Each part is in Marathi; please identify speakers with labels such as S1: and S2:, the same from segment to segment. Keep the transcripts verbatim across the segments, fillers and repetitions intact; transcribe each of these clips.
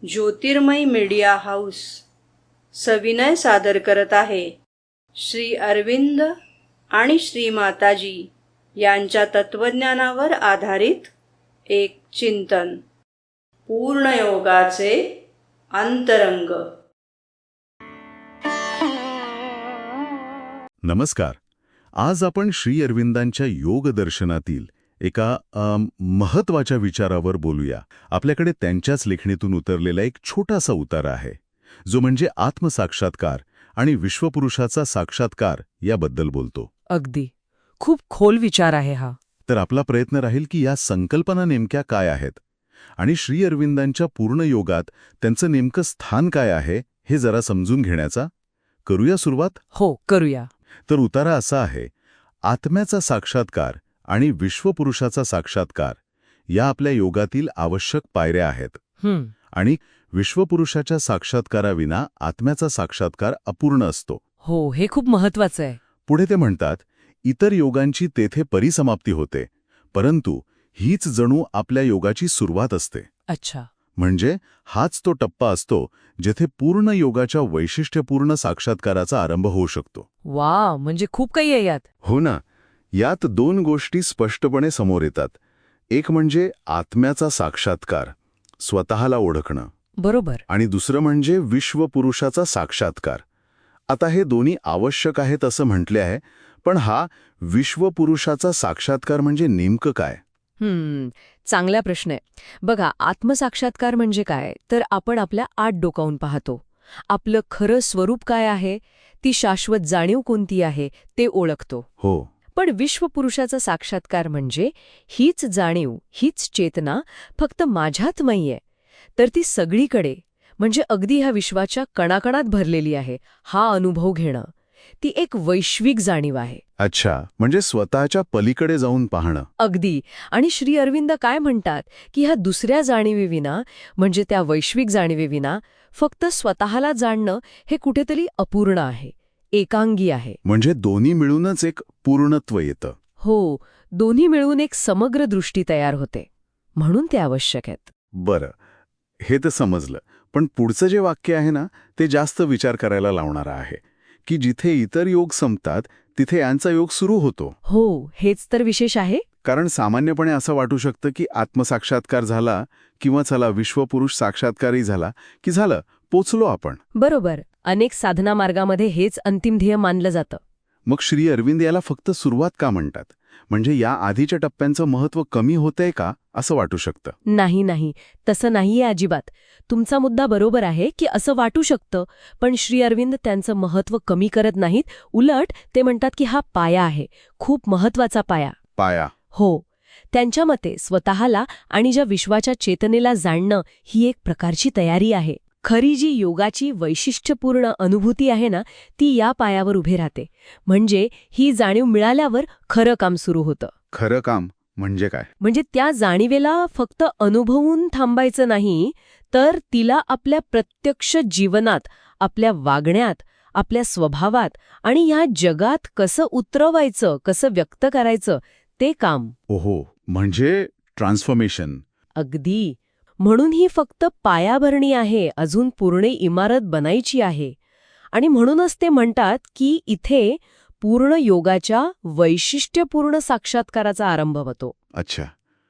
S1: ज्योतिर्मय मीडिया हाऊस सविनय सादर करत आहे श्री अरविंद आणि श्री माताजी यांच्या तत्वज्ञानावर आधारित एक चिंतन, पूर्णयोगाचे अंतरंग.
S2: नमस्कार. आज आपण श्री अरविंदांच्या योग दर्शनातील एका अम, महत्वाच्या विचारावर बोलूया. आपल्याकडे त्यांच्याच लेखणीतून उतरलेला एक छोटासा उतारा आहे, जो म्हणजे आत्मसाक्षात्कार आणि विश्वपुरुषाचा साक्षात्कार याबद्दल बोलतो.
S3: अगदी खूप खोल विचार आहे हा.
S2: तर आपला प्रयत्न राहील की या संकल्पना नेमक्या काय आहेत आणि श्री अरविंदांच्या पूर्ण योगात त्यांचं नेमकं स्थान काय आहे हे जरा समजून घेण्याचा. करूया सुरुवात?
S3: हो, करूया.
S2: तर उतारा असा आहे: आत्म्याचा साक्षात्कार आणि विश्वपुरुषाचा साक्षात्कार या आपल्या योगातील आवश्यक पायऱ्या आहेत.
S3: हं,
S2: आणि विश्वपुरुषाच्या साक्षात्काराविना आत्म्याचा साक्षात्कार अपूर्ण असतो.
S3: हो, हे खूप महत्वाचं आहे.
S2: पुढे ते म्हणतात, इतर योगांची तेथे परिसमाप्ती होते, परंतु हीच जणू आपल्या योगाची सुरुवात असते.
S3: अच्छा.
S2: म्हणजे हाच तो टप्पा असतो जेथे पूर्ण योगाच्या वैशिष्ट्यपूर्ण साक्षात्काराचा आरंभ होऊ शकतो.
S3: वा, म्हणजे खूप काही आहे यात.
S2: हो ना. यात दोन गोष्टी स्पष्टपणे समोर येतात. एक म्हणजे आत्म्याचा साक्षात्कार, स्वतःला ओळखणं,
S3: बरोबर.
S2: आणि दुसरं म्हणजे विश्वपुरुषाचा साक्षात्कार. आता हे दोन्ही आवश्यक आहेत असं म्हटले आहे, पण हा विश्वपुरुषाचा साक्षात्कार म्हणजे नेमकं काय?
S3: हम्म चांगला प्रश्न आहे. बघा, आत्मसाक्षात्कार म्हणजे काय, तर आपण आपल्या आत डोकावून पाहतो. आपलं खरं स्वरूप काय आहे, ती शाश्वत जाणीव कोणती आहे ते ओळखतो.
S2: हो.
S3: पण विश्वपुरुषाचा साक्षात्कार म्हणजे हीच जाणीव, हीच चेतना फक्त माझ्यात नाहीये, तर ती सगळीकडे, म्हणजे अगदी ह्या विश्वाच्या कणाकणात भरलेली आहे. हा अनुभव घेणं, ती एक वैश्विक जाणीव आहे.
S2: अच्छा, म्हणजे स्वतःच्या पलीकडे जाऊन पाहणं.
S3: अगदी. आणि श्री अरविंद काय म्हणतात की ह्या दुसऱ्या जाणीवेविना, म्हणजे त्या वैश्विक जाणीवेविना फक्त स्वतःला जाणणं हे कुठेतरी अपूर्ण आहे, एकांगी आहे.
S2: म्हणजे दोन्ही मिळूनच एक पूर्णत्व येतं.
S3: हो, दोन्ही मिळून एक समग्र दृष्टी तयार होते, म्हणून ते आवश्यक आहेत.
S2: बरं, हे तर समजलं. पण पुढचं जे वाक्य आहे ना, ते जास्त विचार करायला लावणारं आहे, की जिथे इतर योग संपतात तिथे यांचा योग सुरू होतो.
S3: हो, हेच तर विशेष आहे.
S2: कारण सामान्यपणे असं वाटू शकतं की आत्मसाक्षात्कार झाला किंवा चला विश्वपुरुष साक्षात्कारही झाला की झालं, पोचलो आपण.
S3: बरोबर. अनेक साधना मार्गामध्ये हेच अंतिम ध्येय मानलं जातं.
S2: मग श्री अरविंद याला फक्त सुरुवात का म्हणतात? म्हणजे या आधीच्या टप्प्यांचं महत्त्व कमी होतंय का असं वाटू शकतं?
S3: नाही नाही, तसं नाहीये अजिबात. तुमचा मुद्दा बरोबर आहे की असं वाटू शकतं, पण श्री अरविंद त्यांचं महत्त्व कमी करत नाहीत. उलट ते म्हणतात की हा पाया आहे, खूप महत्वाचा पाया.
S2: पाया?
S3: हो. त्यांच्या मते स्वतःला आणि ज्या विश्वाच्या चेतनेला जाणणं ही एक प्रकारची तयारी आहे. खरी जी योगाची वैशिष्ट्यपूर्ण अनुभूती आहे ना, ती या पायावर उभे राहते. म्हणजे ही जाणीव मिळाल्यावर खरं काम सुरू होतं.
S2: खरं काम म्हणजे काय?
S3: म्हणजे त्या जाणीवेला फक्त अनुभवून थांबायचं नाही, तर तिला आपल्या प्रत्यक्ष जीवनात, आपल्या वागण्यात, आपल्या स्वभावात आणि ह्या जगात कसं उतरवायचं, कसं व्यक्त करायचं ते काम.
S2: ओहो, म्हणजे ट्रान्सफॉर्मेशन.
S3: अगदी. म्हणून ही फक्त पायाभरणी आहे, अजून पूर्ण इमारत बनायची आहे. आणि म्हणूनच ते म्हणतात की इथे पूर्ण योगाच्या वैशिष्ट्यपूर्ण साक्षात्काराचा आरंभ होतो.
S2: अच्छा,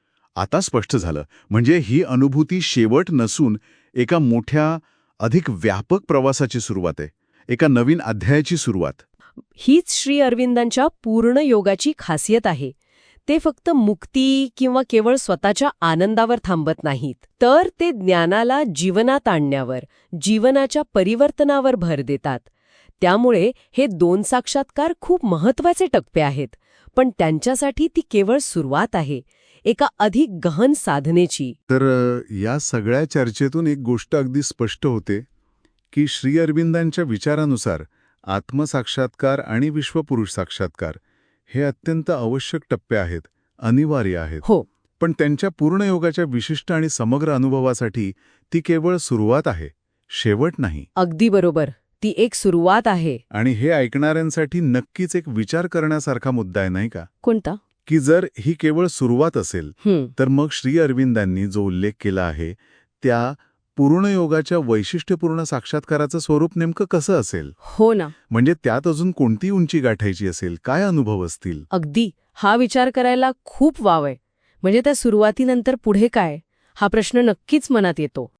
S2: आता स्पष्ट झालं. म्हणजे ही अनुभूती शेवट नसून एका मोठ्या, अधिक व्यापक प्रवासाची सुरुवात आहे, एका नवीन अध्यायाची सुरुवात.
S3: हीच श्री अरविंदांच्या पूर्ण योगाची खासियत आहे. ते फक्त मुक्ती किंवा केवळ स्वतःच्या आनंदावर थांबत नाहीत, तर ते ज्ञानाला जीवनात आणण्यावर, जीवनाच्या परिवर्तनावर भर देतात. त्यामुळे हे दोन साक्षात्कार खूप महत्वाचे टप्पे आहेत, पण त्यांच्यासाठी ती केवळ सुरुवात आहे, एका अधिक गहन साधनेची.
S2: तर या सगळ्या चर्चेतून एक गोष्ट अगदी स्पष्ट होते की श्री अरविंदांच्या विचारानुसार आत्मसाक्षात्कार आणि विश्वपुरुष साक्षात्कार हे अत्यंत आवश्यक टप्पे आहेत, अनिवार्य आहेत.
S3: हो.
S2: पण त्यांच्या पूर्ण योगाच्या विशिष्ट आणि समग्र अनुभवासाठी ती केवळ सुरुवात आहे, शेवट नाही.
S3: अगदी बरोबर. ती एक सुरुवात आहे.
S2: आणि हे ऐकणाऱ्यांसाठी नक्कीच एक विचार करण्यासारखा मुद्दा आहे, नाही का?
S3: कोणता?
S2: की जर ही केवळ सुरुवात असेल
S3: हं.
S2: तर मग श्री अरविंदांनी जो उल्लेख केला आहे त्या पूर्णयोगाच्या वैशिष्ट्यपूर्ण साक्षात्काराचं स्वरूप नेमकं कसं असेल?
S3: हो ना.
S2: म्हणजे त्यात अजून कोणती उंची गाठायची असेल, काय अनुभव असतील?
S3: अगदी. हा विचार करायला खूप वाव आहे. म्हणजे त्या सुरुवातीनंतर पुढे काय, हा प्रश्न नक्कीच मनात येतो.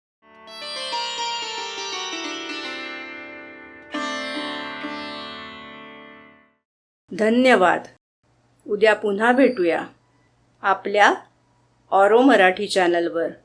S1: धन्यवाद. उद्या पुन्हा भेटूया आपल्या ऑरो मराठी चॅनलवर.